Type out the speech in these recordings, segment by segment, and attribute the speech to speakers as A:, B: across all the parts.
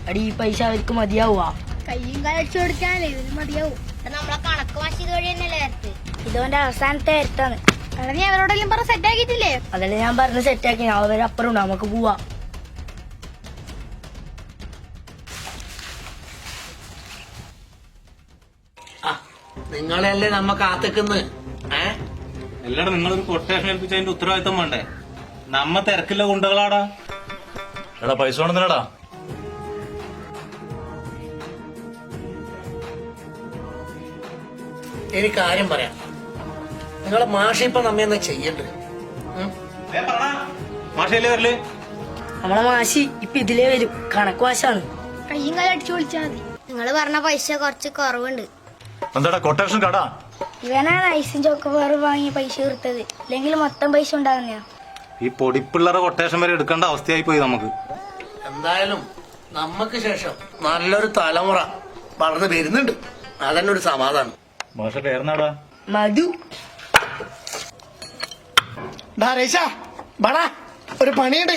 A: അടി ഈ പൈസ അവർക്ക് മതിയാവുക?
B: കയ്യും കാലടിച്ചു കൊടുക്കാനല്ലേ ഇതിന് മതിയാവും.
C: നമ്മളെ കണക്ക് മാറ്റി ഇത് വഴി തന്നെയല്ലേ വരത്ത്.
A: ഇതോന്റെ അവസാനത്തെ വരുത്താണ്.
B: എടാ നീ അവരോടെല്ലാം പറഞ്ഞ് സെറ്റ് ആക്കിയിട്ടില്ലേ?
A: അതല്ലേ ഞാൻ പറഞ്ഞ് സെറ്റാക്കി. അവരപ്പുറം ഉണ്ട്, നമുക്ക് പോവാ.
D: നിങ്ങളെയല്ലേ നമ്മ കാത്തിക്കുന്നു.
E: എല്ലാടും നിങ്ങളൊരു കൊട്ടേഷൻ ഏൽപ്പിച്ച അതിന്റെ ഉത്തരവാദിത്തം വേണ്ടേ? നമ്മ തിരക്കില്ല ഗുണ്ടകളാടാ.
F: എടാ പൈസ കൊണ്ടുവന്നില്ലടാ.
D: എനിക്ക് കാര്യം പറയാം. നിങ്ങളെ മാഷ ഇപ്പൊ നമ്മ എന്നാ ചെയ്യണ്ട്?
E: മാഷല്ലേ വരല്?
A: നമ്മളെ മാഷി ഇപ്പൊ ഇതിലേ വരും. കണക്ക് മാഷാണ്.
B: കയ്യും കാലടിച്ചു വിളിച്ചാൽ മതി.
C: നിങ്ങള് പറഞ്ഞ പൈസ കുറച്ച് കുറവുണ്ട്.
F: എന്താടാ കൊട്ടേഷൻ കടാ?
A: ഇവനാണ് ഐസും ചോക്കോബാർ വാങ്ങിയ പൈസ കൊടുത്തത്. ഇല്ലെങ്കിൽ മൊത്തം പൈസ ഉണ്ടാകുന്ന.
E: ഈ പൊടിപ്പിള്ളറെ കൊട്ടേഷൻ വരെ എടുക്കേണ്ട അവസ്ഥയായി പോയി നമുക്ക്.
D: എന്തായാലും നമ്മക്ക് ശേഷം നല്ലൊരു തലമുറ വളർന്നു വരുന്നുണ്ട്. അതന്നെ ഒരു സമാധാനം.
F: മാഷ പേരുന്നാടാ?
A: മധു.
D: ഒരു പണിയുണ്ട്.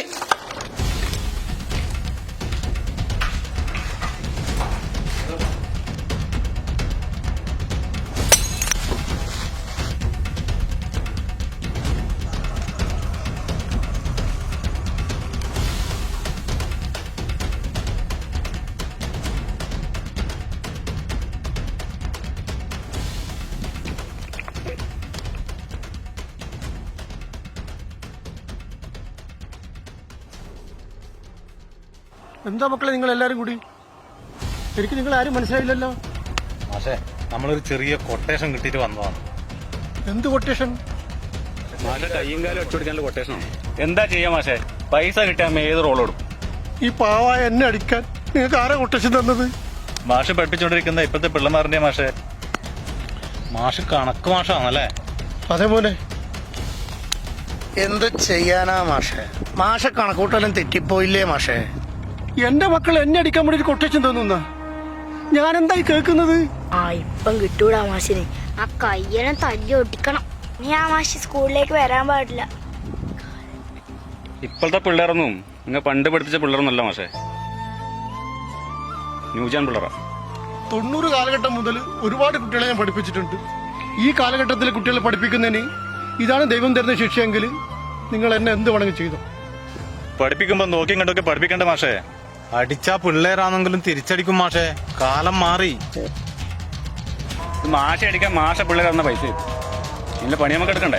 G: എന്താ മക്കളെ നിങ്ങൾ എല്ലാരും കൂടി? എനിക്ക് നിങ്ങൾ ആരും മനസ്സിലായില്ലല്ലോ.
E: മാഷേ, നമ്മളൊരു ചെറിയ കൊട്ടേഷൻ കിട്ടിയിട്ട് വന്നതാണ്.
G: എന്ത് കൊട്ടേഷൻ?
E: മാഷെ കയ്യും കാലം ഒച്ചുപിടിക്കാനുള്ള കൊട്ടേഷനാണ്. എന്താ ചെയ്യാ മാഷേ? പൈസ കിട്ടാൻ ഏത് റോളോടും.
G: ഈ പാവായ എന്നെ അടിക്കാൻ നിങ്ങൾക്ക് ആരാ കൊട്ടേഷൻ തന്നത്?
E: മാഷ് പഠിപ്പിച്ചോണ്ടിരിക്കുന്ന ഇപ്പത്തെ പിള്ളമാറിന്റെ മാഷേ. മാഷ് കണക്ക് മാഷാണല്ലേ?
G: അതേപോലെ
D: എന്ത് ചെയ്യാനാ മാഷെ? മാഷ കണക്കൂട്ടെല്ലാം തെറ്റിപ്പോയില്ലേ മാഷെ?
G: എന്റെ മക്കൾ എന്നെ അടിക്കാൻ വേണ്ടി കൊട്ടേഷൻ തന്നുന്ന ഞാൻ എന്തായി കേൾക്കുന്നത്?
A: ഇപ്പം കിട്ടൂടാ മാഷിന്.
C: ആ കയ്യെല്ലാം തല്ലി ഒട്ടിക്കണം.
A: നീ ആ മാഷി സ്കൂളിലേക്ക് വരാൻ പാടില്ല.
E: ഇപ്പോഴത്തെ പിള്ളേരൊന്നും നിങ്ങൾ പണ്ട് പഠിപ്പിച്ച പിള്ളേരൊന്നല്ല മാഷേ. ന്യൂജൻ പിള്ളേരാ.
G: 90 കാലഘട്ടം മുതൽ ഒരുപാട് കുട്ടികളെ ഞാൻ പഠിപ്പിച്ചിട്ടുണ്ട്. ഈ കാലഘട്ടത്തിലെ കുട്ടികളെ പഠിപ്പിക്കുന്നതിന് ഇതാണ് ദൈവം തരുന്ന ശിക്ഷയെങ്കിൽ നിങ്ങൾ എന്നെ എന്ത് വേണമെങ്കിൽ ചെയ്തു.
E: പഠിപ്പിക്കുമ്പോ നോക്കിയും കണ്ടൊക്കെ പഠിപ്പിക്കണ്ട മാഷേ. അടിച്ചാ പിള്ളേരാണെങ്കിലും തിരിച്ചടിക്കും മാഷേ. കാലം മാറി. മാഷ അടിക്കാൻ മാഷ പിള്ളേർ തന്ന പൈസ ഇല്ല പണി നമുക്ക് എടുക്കണ്ടേ?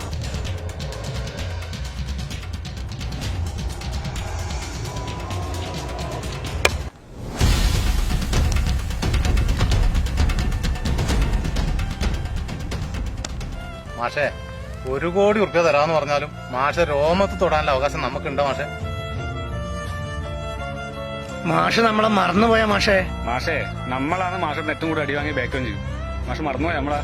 E: മാഷേ, 1 കോടി ഉറുപ്പ്യ തരാന്ന് പറഞ്ഞാലും മാഷ രോമത്ത് തൊടാനുള്ള അവകാശം നമുക്കുണ്ടോ മാഷേ?
D: മാഷ് നമ്മളെ മറന്നുപോയ മാഷെ?
E: മാഷേ, നമ്മളാണ് മാഷത്തിന് ഏറ്റവും കൂടി അടി വാങ്ങി ബാക്കും ചെയ്യും. മാഷ് മറന്നുപോയ നമ്മളാ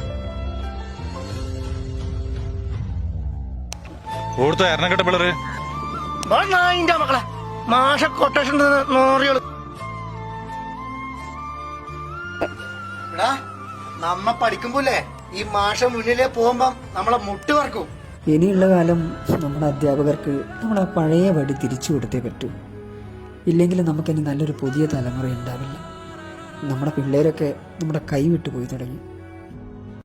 E: ഓടുത്ത എറണക്കെട്ട പിള്ളേര്.
D: മക്കളെ മാഷ കൊട്ടേഷൻ നോറിയോള്. എടാ നമ്മ പഠിക്കുമ്പോല്ലേ ഈ മാഷ മുന്നിലേ പോകുമ്പം നമ്മളെ മുട്ട് പറക്കും.
H: ഇനിയുള്ള കാലം നമ്മുടെ അധ്യാപകർക്ക് നമ്മളെ പഴയ വടി തിരിച്ചു കൊടുത്തേ പറ്റൂ. ഇല്ലെങ്കിൽ നമുക്കിനി നല്ലൊരു പുതിയ തലമുറ ഉണ്ടാവില്ല. നമ്മുടെ പിള്ളേരൊക്കെ നമ്മുടെ കൈ വിട്ടു പോയി തുടങ്ങി.